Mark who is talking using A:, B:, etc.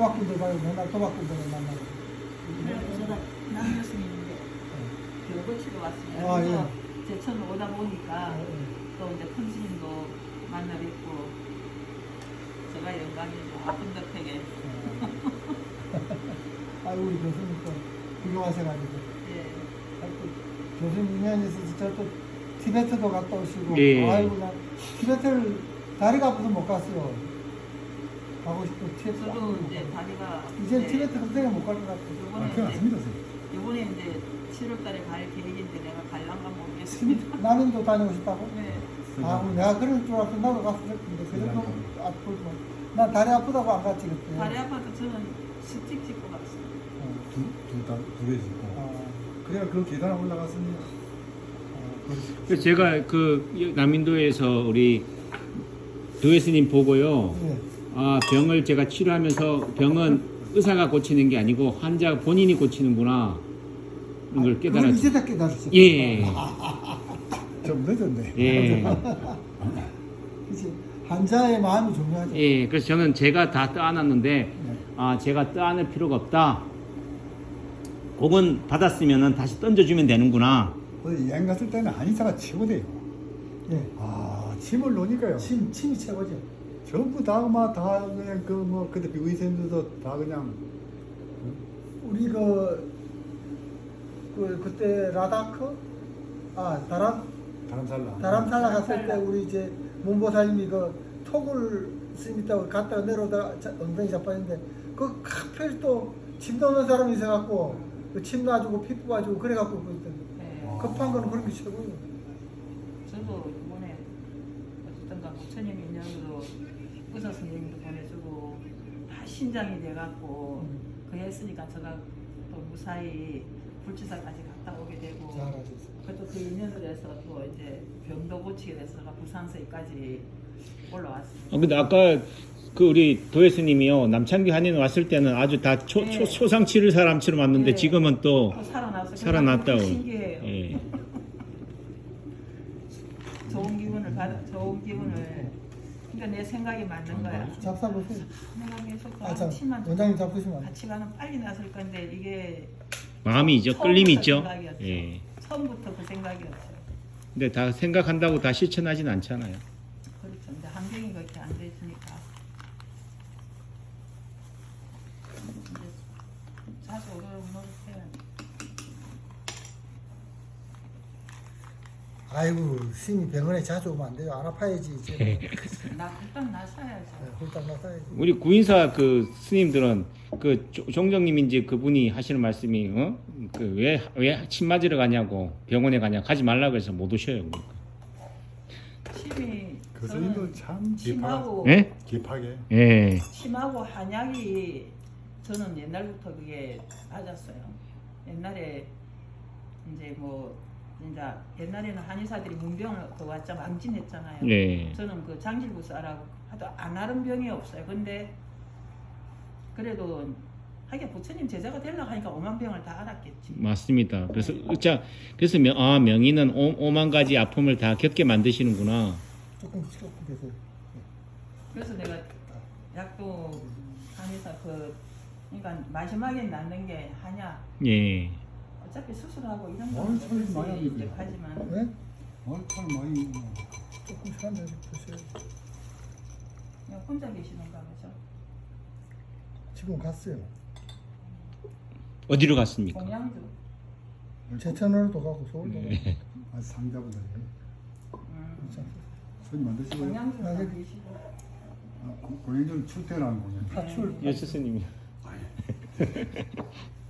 A: 도박꾼들 말고 맨날 도박꾼들을 만나고.
B: 그래서 제가 남 교수님인데 교육을 치러 왔습니다.
A: 아,
B: 그래서
A: 예.
B: 제천으로 오다 보니까
A: 예.
B: 또 이제 펀스님도 만나 뵙고 제가 영광이죠. 아픈 덕택에.
A: 아이고 우리 교수님 또 훌륭하셔가지고.
B: 예.
A: 교수님 인연이 있어서 저또 티베트도 갔다 오시고.
C: 예.
A: 아이고 나 티베트를 다리가 아파서 못 갔어요. 가고 싶고 티베트.
B: 저도 이제 다리가
A: 이제 티베트 그때가 못 갈 것 같아요.
B: 요번에
D: 그건
B: 이제
D: 아닙니다, 선생님.
B: 요번에 이제 7월달에 갈 계획인데 내가 갈란가 모르겠습니다.
A: 남인도 다니고 싶다고?
B: 네.
A: 아, 내가 그럴 줄 알았어. 나도 갔을 텐데. 그 정도 아프고. 난 다리 아프다고 안 갔지, 그때.
B: 다리 아파서 저는 스틱 찍고 갔어요.
D: 두개 짓고.
A: 아,
D: 그래야 그 계단 올라갔으니.
C: 그래서 제가 그 남인도에서 우리 도예스님 보고요.
A: 예.
C: 아, 병을 제가 치료하면서 병은 의사가 고치는 게 아니고 환자가 본인이 고치는구나. 이걸
A: 그걸
C: 깨달았어요.
A: 이제 다 깨달았어.
C: 예.
D: 좀 늦었네.
C: 예.
A: 그치. 환자의 마음이 중요하죠.
C: 예. 그래서 저는 제가 다 떠안았는데, 아, 제가 떠안을 필요가 없다. 복은 받았으면은 다시 던져주면 되는구나.
D: 어디 여행 갔을 때는 한의사가 최고돼요.
A: 예.
D: 아, 침을 놓으니까요.
A: 침이 최고죠.
D: 전부 다 그냥 그때 의사님들도 다 그냥.
A: 우리 그때 라다크? 다람살라 갔을 때 우리 이제 문보사님이 톡을 스님이다고 갔다가 내려오다가 엉덩이 자빠졌는데 그 하필 또 침 넣는 사람이 있어갖고 침 놔주고 피 뽑아주고 그래갖고
B: 네.
A: 급한 거는 그런 게 최고예요.
B: 저도 이번에 어쨌든가 부처님 인연으로 의사 선생님도 보내주고 다 신장이 돼갖고 그 했으니까 제가 또 무사히 불치사까지 갔다 오게 되고
A: 잘하셨어요.
B: 그것도 그 인연으로 해서 또 이제 병도 고치게 돼서 제가 부산서까지 올라왔습니다.
C: 근데 아까 그 우리 도예스님이요 남창기 한인 왔을 때는 아주 다
B: 네.
C: 초상치를 사람처럼 왔는데
B: 네.
C: 지금은 또
B: 또 살아났어요.
C: 살아났다고.
B: 신기해요.
C: 예.
B: 좋은 기분을 그러니까 내 생각이 맞는 거야.
A: 잡사보세요.
B: 내가 계속
A: 아, 참.
B: 치만
A: 원장님 잡수시면 안 돼.
B: 같이 가면 빨리 났을 건데 이게
C: 마음이 있죠.
B: 처음부터
C: 끌림이 있죠.
B: 생각이었죠.
C: 예.
B: 처음부터 그 생각이었어요.
C: 근데 다 생각한다고 다 실천하진 않잖아요.
B: 그렇죠. 근데 환경이 그렇게 안 돼 있으니까. 이제 자주 오르락내리락
A: 아이고 스님이 병원에 자주 오면 안 돼요. 안 아파야지 이제.
B: 나 일단 나서야죠.
A: 홀딱 나서야지.
C: 우리 구인사 그 스님들은 그 종정님인지 그분이 하시는 말씀이 그 왜 침 맞으러 가냐고 병원에 가냐 가지 말라고 해서 못 오셔요.
B: 침이
D: 그 스님도 참
B: 침하고
C: 예?
D: 깊하게.
C: 예.
B: 침하고 한약이 저는 옛날부터 그게 맞았어요. 옛날에 이제 뭐 진짜 옛날에는 한의사들이 문병을 그 왔자 망진했잖아요.
C: 예.
B: 저는 그 장질부사라고 하도 안 하는 병이 없어요. 근데 그래도 하긴 부처님 제자가 되려고 하니까 5만 병을 다 알았겠지.
C: 맞습니다. 그래서 그래서 명의는 5만 가지 아픔을 다 겪게 만드시는구나.
A: 조금 계세요.
B: 그래서 내가 약도 한의사 그러니까 마지막에 낫는 게 한약.
C: 예.
B: 어차피 수술하고 이런
D: 뭘
B: 거는
D: 소리 많이
B: 없이 이제
D: 하는데.
B: 하지만
A: 네?
D: 참 많이.
A: 조금 시간 내서 드세요.
B: 그냥 혼자 계시는가 보죠.
A: 지금 갔어요.
C: 어디로 갔습니까?
B: 공양주.
A: 제천으로도 가고 서울도 가고.
C: 예.
D: 아, 상자보다.
A: 참.
D: 손님 만드시고요.
B: 공양주
A: 아,
B: 계시고.
D: 공연전 출퇴하는 공연.
A: 파출.
C: 예, 스님이.